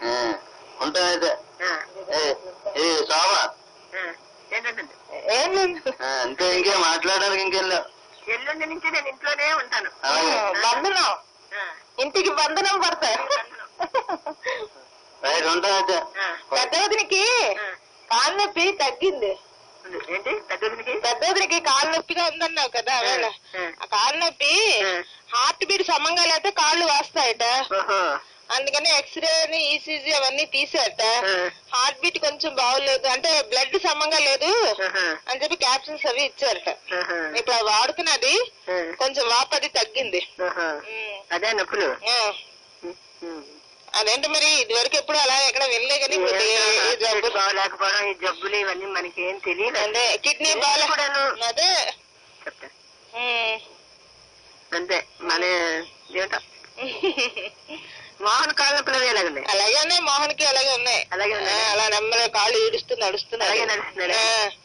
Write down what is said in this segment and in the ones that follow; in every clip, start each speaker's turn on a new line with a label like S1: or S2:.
S1: ఉంటాయితే శోభ అంతే, ఇంకేం మాట్లాడడానికి ఇంకేం లేవు.
S2: ఎల్లుండి నుంచి నేను ఇంట్లోనే ఉంటాను.
S3: బంధనం, ఇంటికి బంధనం పడతాయి.
S1: ఉంటాయితే.
S3: పెద్దవదినికి కాలు నొప్పి తగ్గింది.
S2: ఏంటి
S3: పెద్దవదినికి కాలు నొప్పిగా ఉందన్నావు కదా, ఆ కాలు నొప్పి హార్ట్ బీట్ సమంగా లేకపోతే కాళ్ళు వాస్తాయట. అందుకని ఎక్స్రే అని ఈసీజీ అవన్నీ తీసాట. హార్ట్ బీట్ కొంచెం బాగోలేదు, అంటే బ్లడ్ సమంగా లేదు అని చెప్పి క్యాప్సిల్స్ అవి ఇచ్చారట. ఇప్పుడు అవి వాడుతున్నది, కొంచెం వాపది తగ్గింది.
S2: అదే నొప్పులు.
S3: అదేంటి మరి ఇది వరకు ఎప్పుడు అలా ఎక్కడ వెళ్ళలే కానీ
S2: జబ్బు బాగలేకపోవడం, ఈ జబ్బులు ఇవన్నీ మనకి ఏం తెలియదు.
S3: అదే కిడ్నీ బాగాలేను అదే
S2: అంతే. మన ఏమిటో మోహన్ కాళ్ళ నొప్పులు ఎలాగున్నాయి?
S3: అలాగే ఉన్నాయి, మోహన్ కి అలాగే ఉన్నాయి. అలా నెమ్మదిగా కాళ్ళు ఈడుస్తూ నడుస్తున్నాడు.
S2: అలాగే నడుస్తున్నాడు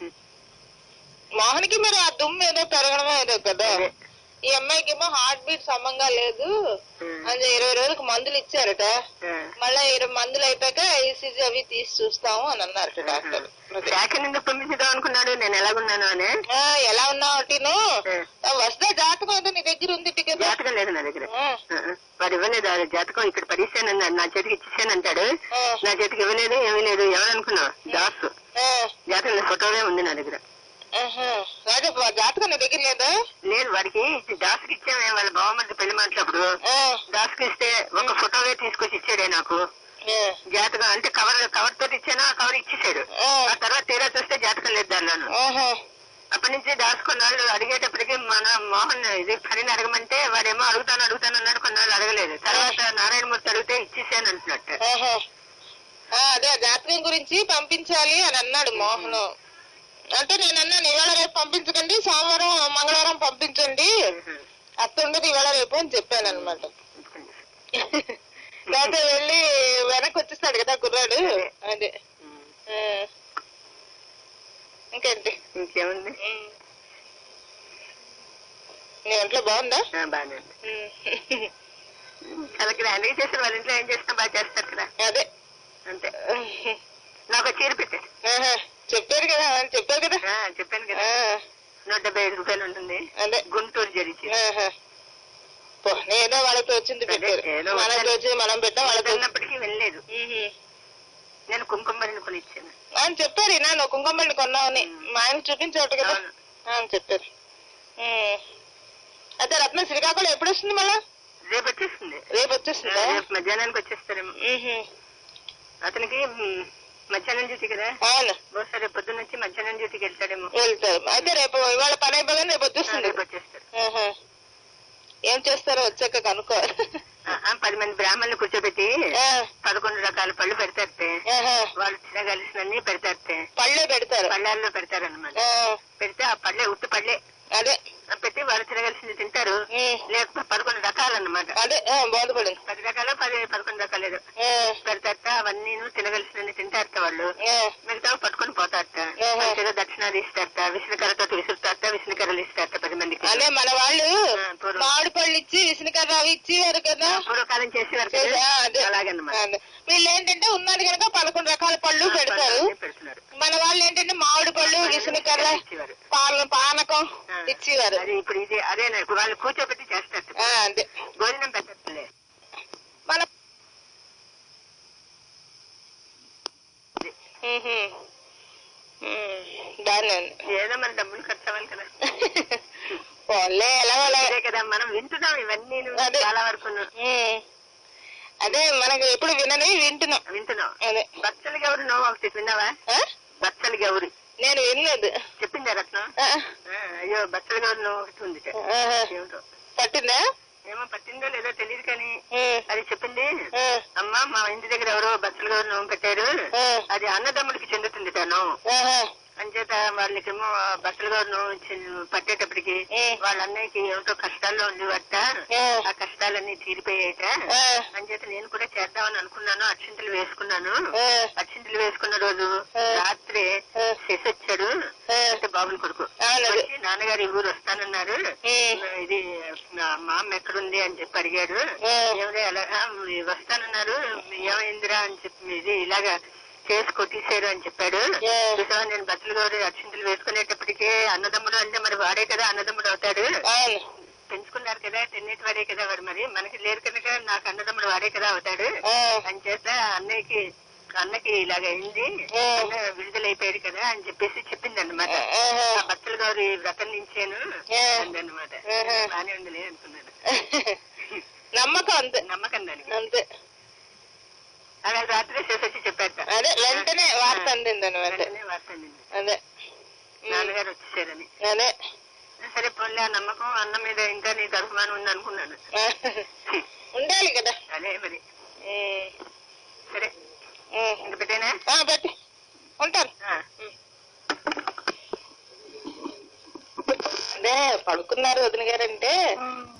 S3: మోహన్ కి. మరి ఆ దుమ్ము ఏదో పెరగడమో ఏదో కదా. ఈ అమ్మాయికి ఏమో హార్ట్ బీట్ సమంగా లేదు అని 20 రోజులకు మందులు ఇచ్చారట. మళ్ళా 20 మందులు అయిపోయాక ఈసీజీ అవి తీసి చూస్తాము అని అన్నారట డాక్టర్.
S2: పంపించుదాం అనుకున్నాడు నేను ఎలాగున్నాను అని.
S3: ఎలా ఉన్నావు టీను? వస్తే జాతకం అయితే నీ దగ్గర ఉంది. టికెట్
S2: జాతకం లేదు నా దగ్గర. వాడు ఇవ్వలేదు జాతకం. ఇక్కడ పరీక్షాను నా చేతికి ఇచ్చేసానంటాడు. నా చేతికి ఇవ్వలేదు, ఏమీ లేదు. ఎవరనుకున్నావు? దాసు. జాతకం ఫోటోనే ఉంది నా దగ్గర.
S3: జాతకం నీ దగ్గర లేదా?
S2: లేదు, వాడికి దాసుకి ఇచ్చామే. వాళ్ళ బావమరిది పెళ్లి మాట్లాడు దాసుకి ఇస్తే ఒక ఫోటోవే తీసుకొచ్చి ఇచ్చాడే నాకు. జాతకం అంటే కవర్ తోటి ఇచ్చాను, ఆ కవర్ ఇచ్చేసాడు. ఆ తర్వాత తీరా చూస్తే జాతకం లేదు దానిలోను. అప్పటి నుంచి దాచుకున్నాళ్ళు అడిగేటప్పటికి మన మోహన్ ఇది ఖరీని అడగమంటే వాడేమో అడుగుతాను అన్నాడు. కొన్నాళ్ళు అడగలేదు. తర్వాత నారాయణమూర్తి అడిగితే ఇచ్చేసాను అంటున్నట్టు.
S3: అదే జాతకం గురించి పంపించాలి అని అన్నాడు మోహన్. అంటే నేను అన్నాను ఇవాళ రేపు పంపించకండి, సోమవారం మంగళవారం పంపించండి, అత్తుండదు ఇవాళ రేపు అని చెప్పాను అనమాట. లేకపోతే వెళ్ళి వెనక్కి వచ్చేస్తాడు కదా కుర్రాడు. అదే ఇంకేంటి?
S2: ఇంకేముంది?
S3: నీ ఒంట్లో బాగుందా?
S2: బాగానే. చాలా గ్రాండ్గా చేస్తారు. వాళ్ళ ఇంట్లో ఏం చేసినా బాగా చేస్తారు కదా.
S3: అదే
S2: అంతే. నాకు చీర పెట్టారు.
S3: చెప్పారు కదా.
S2: చెప్పాను కదా. 175 రూపాయలు ఉంటుంది. అదే గుంటూరు జరిచి.
S3: ఏదో వాళ్ళతో వచ్చింది పెట్టారు. మనకి వచ్చి మనం పెట్టాం. వాళ్ళతో
S2: ఉన్నప్పటికీ వెళ్ళలేదు. నేను కుంకుమని కొని ఇచ్చాను
S3: అని చెప్పారు. నువ్వు కుంకుమని కొన్నావని మా ఆయన చూపించాడు కదా అని చెప్పారు. అయితే రత్న శ్రీకాకుళం ఎప్పుడు వస్తుంది? మళ్ళా
S2: రేపు వచ్చేస్తుంది.
S3: రేపు
S2: మధ్యాహ్నానికి వచ్చేస్తారేమో. అతనికి మధ్యాహ్నం డ్యూటీ కదా.
S3: అవును.
S2: బహుశా రేపు పొద్దున్న వచ్చి మధ్యాహ్నం డ్యూటీకి వెళ్తాడు.
S3: అయితే రేపు ఇవాళ పని అయిపోగానే రేపు వచ్చేస్తారు. ఏం చేస్తారో వచ్చాక కనుక్కోవాలి.
S2: 10 మంది బ్రాహ్మణులు కూర్చోబెట్టి 11 రకాల పళ్ళు పెడతారు. వాళ్ళు తినగలిసినన్ని పెడతారు.
S3: పళ్ళే పెడతారు.
S2: పళ్ళాల్లో పెడతారు అన్నమాట. పెడితే ఆ పళ్ళే ఉత్తి పళ్ళే
S3: అదే
S2: పెట్టి వాళ్ళు తినగలిసింది తింటారు. లేకపోతే 11 రకాలన్నమాట.
S3: అదే బాధపడింది.
S2: 10 రకాలు 11 రకాలేదు పెడతారట. అవన్నీ తినగలిసినన్ని తింటారట. వాళ్ళు మిగతా పట్టుకొని పోతారట. మంచిగా దక్షిణాలు ఇస్తారట. విష్ణుకర్రతో విసురుతారట. విష్ణుకర్రలు ఇస్తారట 10 మందికి.
S3: అదే మన వాళ్ళు మామిడి పళ్ళు ఇచ్చి విష్ణుకర్ర అవి ఇచ్చేవారు కదా.
S2: పూర్వకాలం చేసేవారు కదా. అలాగన్నమాట.
S3: వీళ్ళు ఏంటంటే ఉన్నది కనుక 11 రకాల పళ్ళు పెడతారు. మన వాళ్ళు ఏంటంటే మామిడి పళ్ళు విష్ణుకర్ర పానకం ఇచ్చేవారు.
S2: ఇప్పుడు ఇది అదే వాళ్ళు కూర్చోబెట్టి చేస్తారు.
S3: అంతే
S2: భోజనం పెట్టలే.
S3: మన దాన్ని
S2: ఏదో మన డబ్బులు ఖర్చు అవ్వాలి కదా.
S3: ఎలా
S2: కదా మనం వింటున్నాం ఇవన్నీ చాలా వరకు.
S3: అదే మనకు ఎప్పుడు వింటున్నాం. అదే
S2: బచ్చలి గౌరి నువ్వు ఒకటి విన్నావా? బచ్చలి గౌరి
S3: నేను వినలేదు.
S2: చెప్పిందా రత్నం? అయ్యో బచ్చలి గౌరి నువ్వు ఒకటి ఉంది. ఏమిటో
S3: పట్టిందా?
S2: ఏమో పట్టిందో లేదో తెలియదు కానీ అది చెప్పింది. అమ్మా మా ఇంటి దగ్గర ఎవరో బచ్చలి గౌరి నోము పెట్టారు. అది అన్నదమ్ముడికి చెందుతుంది తను. అంచేత వాళ్ళకేమో బట్టలు గారు పట్టేటప్పటికి వాళ్ళ అన్నయ్యకి ఏమిటో కష్టాల్లో ఉండేవట. ఆ కష్టాలన్నీ తీరిపోయాయట. అంచేత నేను కూడా చేద్దామని అనుకున్నాను. అక్షింతలు వేసుకున్నాను. అక్షింతలు వేసుకున్న రోజు రాత్రి శశి వచ్చాడు. అంటే బాబుని కొడుకు వచ్చి నాన్నగారు ఈ ఊరు వస్తానన్నారు, ఇది మా అమ్మ ఎక్కడుంది అని చెప్పి అడిగాడు. ఏమిటి అలా వస్తానన్నారు, ఏమైందిరా అని చెప్పి ఇది ఇలాగా కేసు కొట్టేశారు అని చెప్పాడు. చూసావా, నేను బట్టలు గౌరీ అక్షింతలు వేసుకునేటప్పటికే అన్నదమ్ముడు అంటే మరి వాడే కదా అన్నదమ్ముడు అవుతాడు. పెంచుకున్నారు కదా, తిన్నేటి వాడే కదా వాడు, మరి మనకి లేరు కనుక నాకు అన్నదమ్ముడు వాడే కదా అవుతాడు అని చేత అన్నకి ఇలాగ అయింది, విడుదలైపోయాడు కదా అని చెప్పేసి చెప్పింది అనమాట. బట్టలు గౌరీ వ్రతం నుంచాను అందనమాట. బానే ఉందిలే అనుకున్నాను.
S3: నమ్మకం అంతే,
S2: నమ్మకం దానికి
S3: అంతే.
S2: అలా రాత్రి చేసొచ్చి చెప్పాట.
S3: అదే వెంటనే వార్త అందింది అనమాట.
S2: వార్త అందింది,
S3: అదే
S2: నాన్నగారు వచ్చేసారని.
S3: అదే
S2: సరే పోలే, ఆ నమ్మకం అన్న మీద ఇంకా నీకు అభిమానం ఉంది అనుకున్నాను.
S3: ఉండాలి కదా.
S2: అదే మరి. సరే ఇంక పెట్టేనా?
S3: పెట్టి ఉంటాను. అదే పడుకున్నారు వదిన గారంటే